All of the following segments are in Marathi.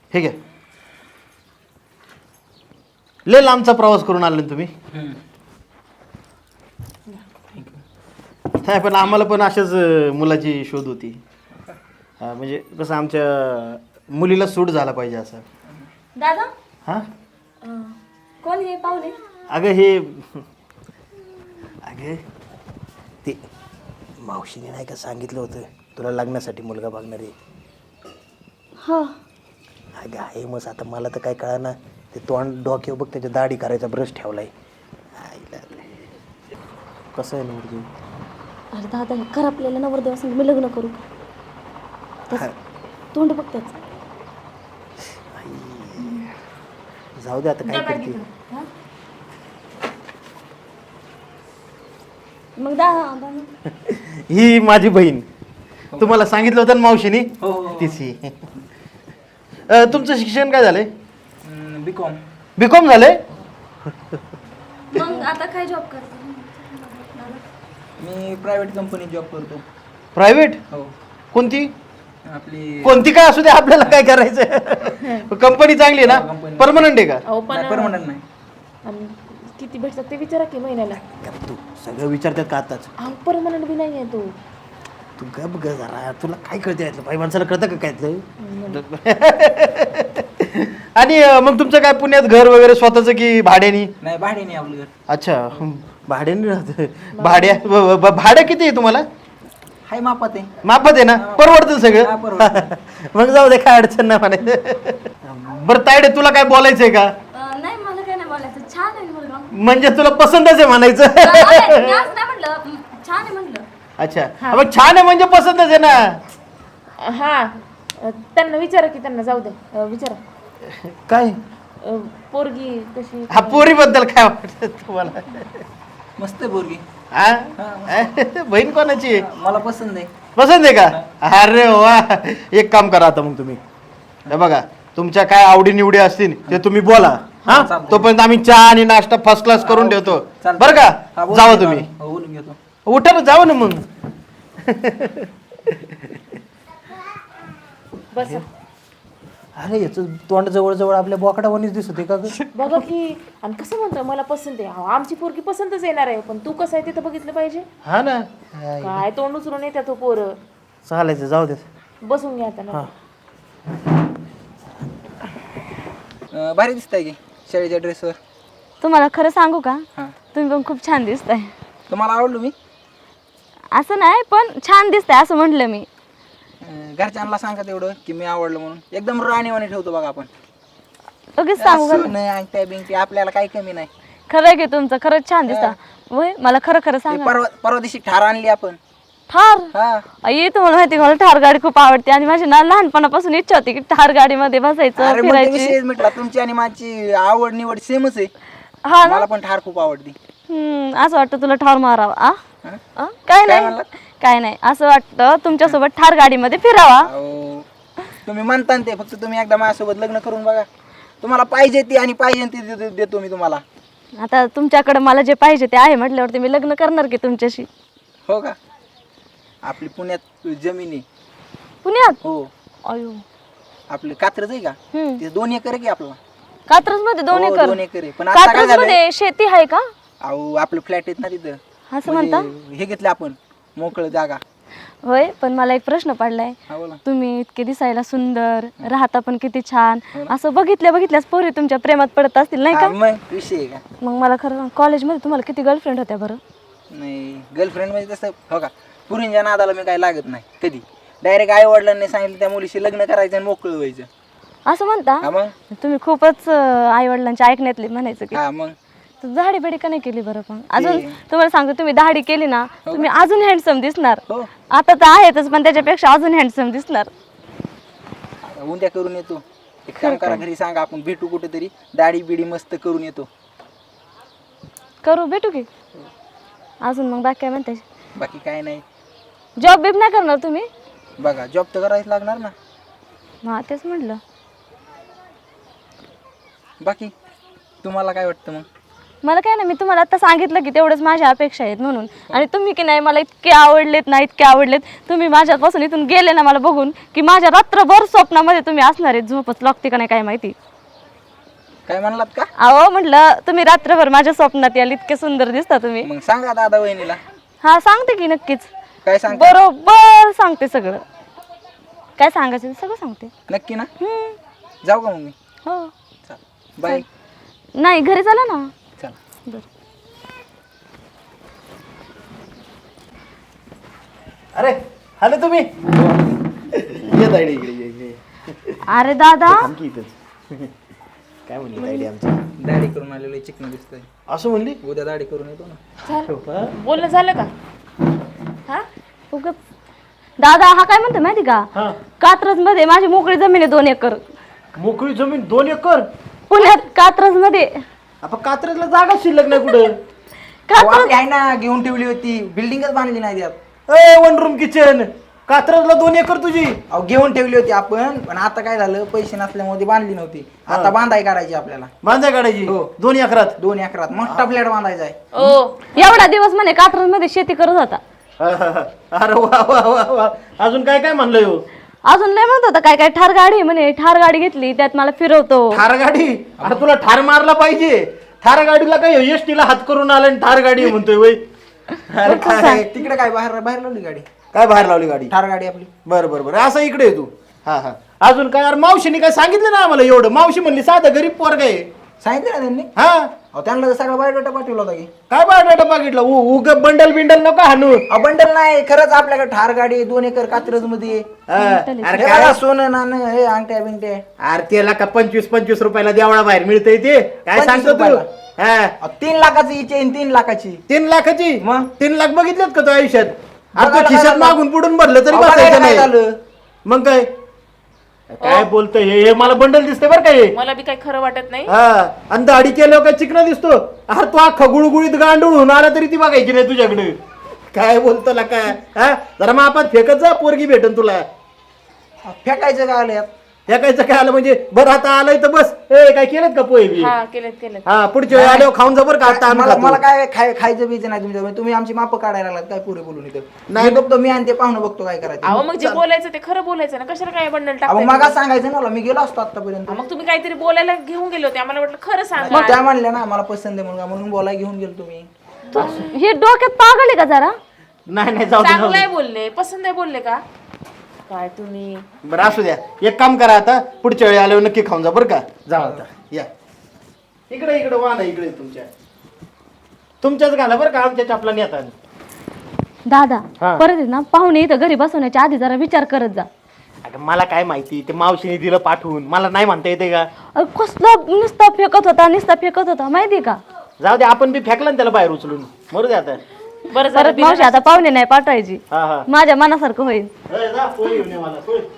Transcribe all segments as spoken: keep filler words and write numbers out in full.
हे घ्या. लय लांबचा प्रवास करून आले ना तुम्ही. नाही पण आम्हाला पण अशाच मुलाची शोध होती. हा, म्हणजे कसं आमच्या मुलीला सूट झाला पाहिजे असं. दादा हां कोण हे पाहुणे? अगं हे अगं ते मावशीने नाही का सांगितलं होतं तुला लग्नासाठी मुलगा बघणार आहे. हो अगं आहे मग आता मला तर काय कळा ना ते तोंड डोक्यावर बघ त्याच्या दाढी करायचा ब्रश ठेवलाय. आईला कसं आहे ना मुलगी. अरे दादा खराबलेला नवरदेव असं मी लग्न करू का? तोंड बघ त्याचं. जाऊ दे आता काय करते. मग दादा ही माझी बहीण. तुम्हाला सांगितलं होतं ना मावशीनी. तिची. तुमचं शिक्षण काय झालंय? बी कॉम. बी कॉम झालंय. मग आता काय जॉब करतो? मी प्रायव्हेट कंपनीत जॉब करतो. प्रायव्हेट? हो. कोणती? आपली कोणती काय असू दे आपल्याला काय करायचं. कंपनी चांगली आहे ना? परमनंट आहे का? अहो पण परमनंट नाही. आणि किती भेटतात ते विचारा की महिन्याला. तू सगळं विचारतात का आताच? अहो परमनंट बी नाही आहे तो. तू गप ग जरा तुला काय कळते यातलं बाई माणसाला कळतं का काय. आणि मग तुमचं काय पुण्यात घर वगैरे स्वतःच की भाड्यानी? नाही भाड्याने आपलं घर. अच्छा भाड्याने राहत. भाड्या ब- ब- भाडं किती आहे तुम्हाला? हाय मापात आहे. माफत आहे ना? परवडतं हा, सगळं. परवडतं. मग जाऊ दे काय अडचण नाही म्हणायचं. बरं तायडे तुला काय बोलायचंय का? नाही मला काय नाही बोलायचं. छान आहे मुलगा. म्हणजे तुला पसंतच आहे म्हणायचं. अरे, मी असं नाही म्हटलं. छान आहे म्हटलं. अच्छा मग छान आहे म्हणजे पसंतच आहे ना. हा त्यांना विचारा की त्यांना जाऊ दे विचारा. काय पोरगी कशी? हा पोरी बद्दल काय वाटत तुम्हाला? मस्त आहे पोरगी. हा बहीण कोणाची आहे? मला पसंत आहे. पसंत आहे का? अरे वा. एक काम करा आता मग तुम्ही हे बघा तुमच्या काय आवडी निवडी असतील ते तुम्ही बोला. हा चालतंय. तोपर्यंत आम्ही चहा आणि नाश्ता फर्स्ट क्लास करून ठेवतो. चालतंय. बरं हा, का? बोलून जावा घेतो तुम्ही. आम्ही. हो, बोलून घेतो. उठा ना जावा ना मग. बस अरे याच तोंड जवळ जवळ आपल्या बोकडावानीच दिसत आहे का ग? बघा की. आणि कसं म्हणतो मला पसंत आहे. अहो, आमची पोरगी पसंतच येणार आहे पण तू कसं आहे ते तर बघितलं पाहिजे. हा ना काय तोंड उचलून येत्या तो पोर. चालायचं जाऊ दे. बसून घ्या आता ना. अं, भारी दिसताय की शाळेच्या ड्रेसवर. तुम्हाला खरं सांगू का? हां. तुम्ही पण खूप छान दिसताय. तुम्हाला आवडलो मी? असं नाही पण छान दिसतंय असं म्हटलं मी. अं, घरच्यांना सांगा तेवढं की मी आवडलं म्हणून. एकदम राणीवाणी ठेवतो बघा आपण. लगेच सांगू का? नाही अंगठ्या बिंगटी आपल्याला काही कमी नाही. खरं आहे की तुमचं खरंच छान दिसता. वय मला खरं खरं ते सांगा. परवा परवा दिवशी ठार आणली आपण. ठार? हा. आई तुम्हाला माहिती मला ठार गाडी खूप आवडते आणि माझी ना लहानपणापासून इच्छा होती की ठार गाडीमध्ये बसायचं अरे मग ते फिरायची. विषयच मिटला. तुमची आणि माझी आवड निवड सेमच आहे. हा ना. मला पण ठार खूप आवडती. हम्म असं वाटतं तुला ठार मारावा. आ हं? आ? काय नाही म्हणलात? काय नाही असं वाटतं तुमच्यासोबत ठार गाडीमध्ये फिरावा. अहो, तुम्ही म्हणता ना ते फक्त तुम्ही एकदा माझ्यासोबत लग्न करून बघा. तुम्हाला पाहिजे ती आणि पाहिजे ती दे- देतो मी तुम्हाला. आता तुमच्याकडे मला जे पाहिजे ते आहे म्हटल्यावरती मी लग्न करणार की तुमच्याशी. हो का? आपली पुण्यात जमीन आहे. पुण्यात? हो. अयो. आपली कात्रज आहे का? हम्म. ते दोन एकर आहे की आपला. कात्रज मध्ये दोन हो, एकर? दोन एकर आहे. पण आता काय कात्रज झालंय? मध्ये शेती आहे का? अहो आपलं फ्लॅट आहेत ना तिथं. असं म्हणता? म्हणजे हे घेतलं आपण मोकळं जागा. होय पण मला एक प्रश्न पडलाय. हा बोला. तुम्ही इतके दिसायला सुंदर राहता पण किती छान असं बघितल्या बघितल्यास पोरी तुमच्या प्रेमात पडत असतील नाही हा, का? मग विषय आहे का? मग मला खरं कॉलेजमध्ये तुम्हाला किती गर्लफ्रेंड होत्या बरं? नाही गर्लफ्रेंड म्हणजे तसं हो का पुरींच्या नादाला मी काही लागत नाही कधी. डायरेक्ट आई वडिलांनी सांगितलं त्या मुलीशी लग्न करायचं आणि मोकळं व्हायचं. असं म्हणता? हा मग. तुम्ही खूपच आई वडिलांच्या ऐकण्यातली म्हणायचं की. हा मग. तर दाढी बिडी का नाही केली बरं? पण अजून तुम्हाला सांगतो तुम्ही दाढी केली ना तुम्ही अजून हँडसम दिसणार. हो. आता तर आहेतच पण त्याच्यापेक्षा अजून हँडसम दिसणार. आता उद्या करून येतो. एक काम करा घरी सांगा आपण भेटू कुठेतरी दाढी बिडी मस्त करून येतो. करू भेटू की अजून मग बाकी काय म्हणते? बाकी काय नाही. जॉब बिब नाही करणार तुम्ही? बघा जॉब तर करायच लागणार ना. हा तेच म्हटलं. बाकी तुम्हाला काय वाटतं मग? मला काय नाही, मी तुम्हाला आता सांगितलं की तेवढंच माझ्या अपेक्षा आहेत म्हणून. आणि तुम्ही की नाही मला इतके आवडलेत ना, इतके आवडलेत. तुम्ही माझ्यापासून इथून गेले ना मला बघून की माझ्या रात्रभर स्वप्नामध्ये तुम्ही असणार आहेत. झोपच लागते का नाही काय माहिती. काय म्हणलात का? अहो म्हटलं तुम्ही रात्रभर माझ्या स्वप्नात याल, इतके सुंदर दिसता तुम्ही. मग सांगा दादा वहिनीला. हा सांगते की नक्कीच, काय सांग बरोबर सांगते सगळं. काय सांगायचं ते सगळं सांगते. नक्की ना? हम्म. जाऊ का मग मी? हो. बाय. नाही घरी चला ना. चला. बरं. अरे आले तुम्ही ये तायडी इकडे ये, ये. अरे दादा थांब की इथंच. काय म्हणली तायडी आमची? दाढी करून आलेलो चिकन दिसतंय. असं म्हणली? उद्या दाढी करून येतो ना. बोलणं झालं का? हा उगाच. दादा हा काय म्हणतो माहिती का, हा. कात्रज मध्ये माझी मोकळी जमीन आहे दोन एकर. मोकळी जमीन दोन एकर? पुण्यात कात्रज मध्ये. आपण कात्रजला जागा शिल्लक नाही कुठं? अहो, आपली आहे ना, घेऊन ठेवली होती, बिल्डिंगच बांधली नाही त्यात. ए वन रूम किचन, कात्रजला दोन एकर तुझी? अहो घेऊन ठेवली होती आपण, पण आता काय झालं, पैसे नसल्यामुळे ती बांधली नव्हती. आता बांधाय काढायची आपल्याला. बांधा काढायची? हो. दोन एकरात? दोन एकरात मोठा फ्लॅट बांधायचा आहे. ओ एवढा दिवस म्हणे कात्रज मध्ये शेती करत होता. अरे वा वा वा वा. अजून काय काय म्हणलं हो? अजून लय म्हणत होता काय काय ठार गाडी आहे म्हणे, ठार गाडी घेतली त्यात मला फिरवतो. ठार गाडी? अरे तुला ठार मारला पाहिजे. ठार गाडीला काय एसटीला हात करून आला आणि ठार गाडी म्हणतोय वय? अरे काय तिकडे काय बाहेर बाहेर लावली गाडी? काय बाहेर लावली गाडी? ठार गाडी आपली. बरं बरं बरं, असं इकडे आहे तू. हा हा. अजून काय? अरे मावशीने काय सांगितलं ना आम्हाला एवढं? मावशी म्हणली साधं गरीब पोरग आहे. सांगितलं ना त्यांनी? हा. अहो त्यांना सगळा बायोडाटा पाठवला होता की. काय बायोडाटा बघितलं? उग बंडल बिंडल नको हाणू. अहो बंडल नाही, खरंच आपल्याकडे ठार गाडी दोन एकर कात्रज मध्ये. हा. अरे हे काय? बघा, सोनं नाणं हे अंगठ्या बिंगट्या. अरे त्याला का पंचवीस पंचवीस रुपयाला देवळा बाहेर मिळतंय ते? काय पंचवीस सांगतो तू? रुपयाला? हा. अहो, तीन लाखाची चेन, तीन लाखाची. तीन लाखाची? मग? तीन लाख बघितलेत का तू आयुष्यात? आता बघायला खिशात काय मागून पुढून भरलं तरी अहो, बघायला बसायचं काय नाही. झालं? मग काय काय बोलतोय हे? हे मला बंडल दिसते बरं काय? मला बी काही खरं वाटत नाही. हा. आणि दाढी केल्यावर काय चिकना दिसतो? अरे तू अख्खा गुळगुळीत गांडूळ होऊन आला तरी ती बघायची नाही तुझ्याकडे. काय बोलतो ला काय? हा. जरा मग आपण फेकत जा, पोरगी भेटन तुला. अहो, फेकायचं काय आलं यात? फेकायचं काय आलं म्हणजे? बरं आता आलंय तर बस. ए काय केलं का पोहे बी? हा केलेत केलेत. हा. पुढच्या वेळी आल्यावर खाऊन जा बरं का. आता आम्ही मला खातो. मला काय खाय खायचं बीचं नाही तुमच्या. तुम्ही आमची माप काढायला लागलात काय पुढे बोलून इथं? नाही. मी बघतो, मी आणि ते पाहुणं बघतो काय करायचं. अहो मग जे बोलायचं ते खरं बोलायचं ना, कशाला काय बंडल अहो टाकताय? मग सांगायचं ना मला, मी गेलो असतो आतापर्यंत. मग तुम्ही काहीतरी बोलायला घेऊन गेले होते, आम्हाला वाटलं खरं सांगा. मग त्या म्हणल्या ना मला पसंत आहे म्हणून, म्हणून बोलायला घेऊन गेलो तुम्ही. तू हे डोक्यात पागल आहे का जरा? नाही नाही जाऊ दे, जाऊ चांगलं दे. आहे बोलले, पसंत आहे बोलले का काय तुम्ही? बरं असू द्या. एक काम करा आता, पुढच्या वेळी आल्यावर नक्की खाऊन जा बरं का. जा आता या इकडे. इकडे वाहन आहे इकडे तुमच्या. तुमच्याच घाला बरं का, आमच्या चपला नेता. दादा हा. परत आहे ना पाहुणे इथं घरी बसवण्याच्या आधी जरा विचार करत जा. अगं मला काय माहिती, ते मावशीने दिलं पाठवून, मला नाही म्हणता येते का? अरे कसला नुसता फेकत होता, नुसता फेकत होता माहिती का? जाऊ दे, आपण बी फेकलं ना त्याला बाहेर उचलून. मरू दे आता. बरं झालं परत मावशी आता पाहुणे नाही पाठवायची. हा हा. माझ्या मनासारखं होईल. ए, जा, पोळी घेऊन ये मला, पोळी.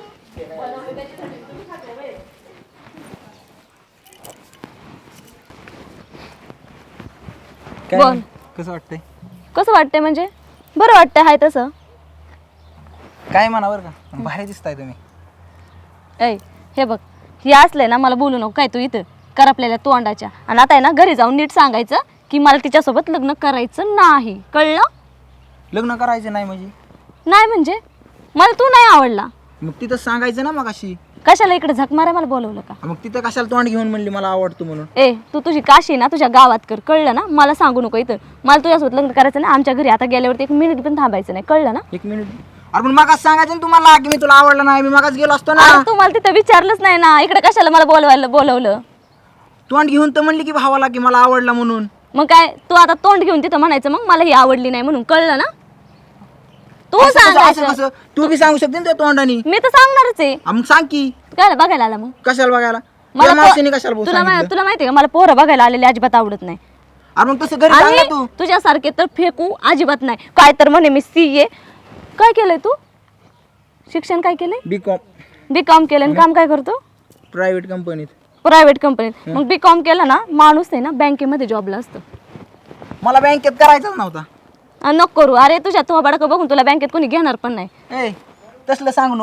काय बोल. कसं वाटतंय? कसं वाटतंय म्हणजे? बरं वाटतंय हाय तसं. काय म्हणा बरं का, भारी दिसताय तुम्ही. ऐ हे बघ, हे असलंय ना मला बोलू नको काय तू इथं कर आपल्याला तोंडाच्या. आणि आता आहे ना घरी जाऊन नीट सांगायचं की मला तिच्यासोबत लग्न करायचं नाही, कळलं? लग्न करायचं नाही म्हणजे? नाही म्हणजे मला तू नाही आवडला. मग तिथं सांगायचं ना मग अशी. कशाला इकडे झक मारा मला बोलवलं का? मग तिथं कशाला तोंड घेऊन म्हणली मला आवडतो म्हणून? ए तू तुझी काशी ना तुझ्या गावात कर, कळलं ना? मला सांगू नको इथं. मला तुझ्यासोबत लग्न करायचं नाही. आमच्या घरी आता गेल्यावरती एक मिनिट पण थांबायचं नाही, कळलं ना? एक मिनिट. अरे पण मगाच सांगायचं ना तुम्हाला की मी तुला आवडलं नाही, मी मगाच गेलो असतो ना. अरे तू मला तिथं विचारलंच नाही ना, इकडे कशाला मला बोलवायला बोलवलं? तोंड घेऊन तर म्हणली की भावाला की मला आवडला म्हणून. मग काय तू आता तोंड घेऊन तिथं म्हणायचं मग मला ही आवडली नाही म्हणून, कळलं ना? तू असं कसं- असं सांगायचं. कसं? तू बी सांगू शकते ना त्या तोंडानी. मी तर सांगणारच आहे. आ, मग सांग की. काय बघायला आला मग? कशाला बघायला? मला त्या पो- मावशीने कशाला बोल तुला मा- सांगितलं? तुला माहिती का मला पोरं बघायला आलेले अजिबात आवडत नाही. अरे मग तसं घरी सांग ना आणि तू. तुझ्यासारखे तर फेकू अजिबात नाही. काय तर म्हणे मी सी ए. काय केलंय तू? शिक्षण काय केलंय? बी कॉम बी कॉम केलं आणि काम काय करतो? प्रायव्हेट कंपनीत. प्रायव्हेट कंपनीत. मग बी कॉम केलं ना माणूस आहे ना बँकेमध्ये जॉबला असतो. मला बँकेत करायचाच नव्हता. आणि नको करू. अरे तुझ्या तो बडकं बघून तुला बँकेत कोणी घेणार पण नाही. ए तसलं सांगू नका.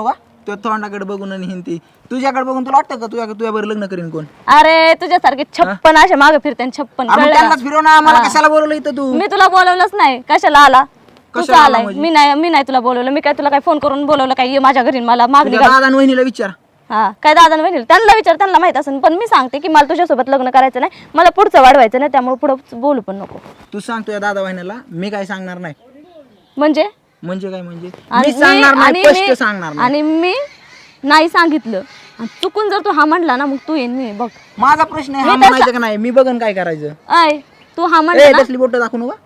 तुझ्या तोंडाकडे बघून आणि हिंती तुझ्याकडे बघून तुला वाटतं का तुझ्या तुझ्यावर लग्न करीन कोण? अरे तुझ्यासारखे छप्पन असे मागे फिरते आणि छप्पन आपण कळलं का? त्यांनाच फिरव ना, मला कशाला बोलवलं इथं तू? मी तुला बोलवलंच नाही, कशाला आला? तूच कशाला आला आलाय. म्हणजे? मी नाही मी नाही तुला बोलवलं. मी काय तुला काय फोन करून बोलवलं काय ये माझ्या घरी मला मागणी तुझ्या घाल. दादा आणि वहिनीला विचार. हा काय दादा बहिणी त्यांना विचार, त्यांना माहित असेल. पण मी सांगते की मला तुझ्यासोबत लग्न करायचं नाही, मला पुढचं वाढवायचं नाही, त्यामुळे पुढं बोलू पण नको. तू सांग तुझ्या दादा वहिनीला, मी काय सांगणार नाही. म्हणजे म्हणजे काय म्हणजे? आणि मी मी- सांगणार आणि नाही, स्पष्ट मी- सांगणार नाही. आणि मी नाही सांगितलं आणि चुकून जर तू हा म्हणला ना, मग तू येईन मी बघ. माझा प्रश्न आहे, हा मी तसं- म्हणायचं का नाही? मी बघन काय करायचं. आय तू हा ए म्हणला ना, तसली बोट दाखवू नका.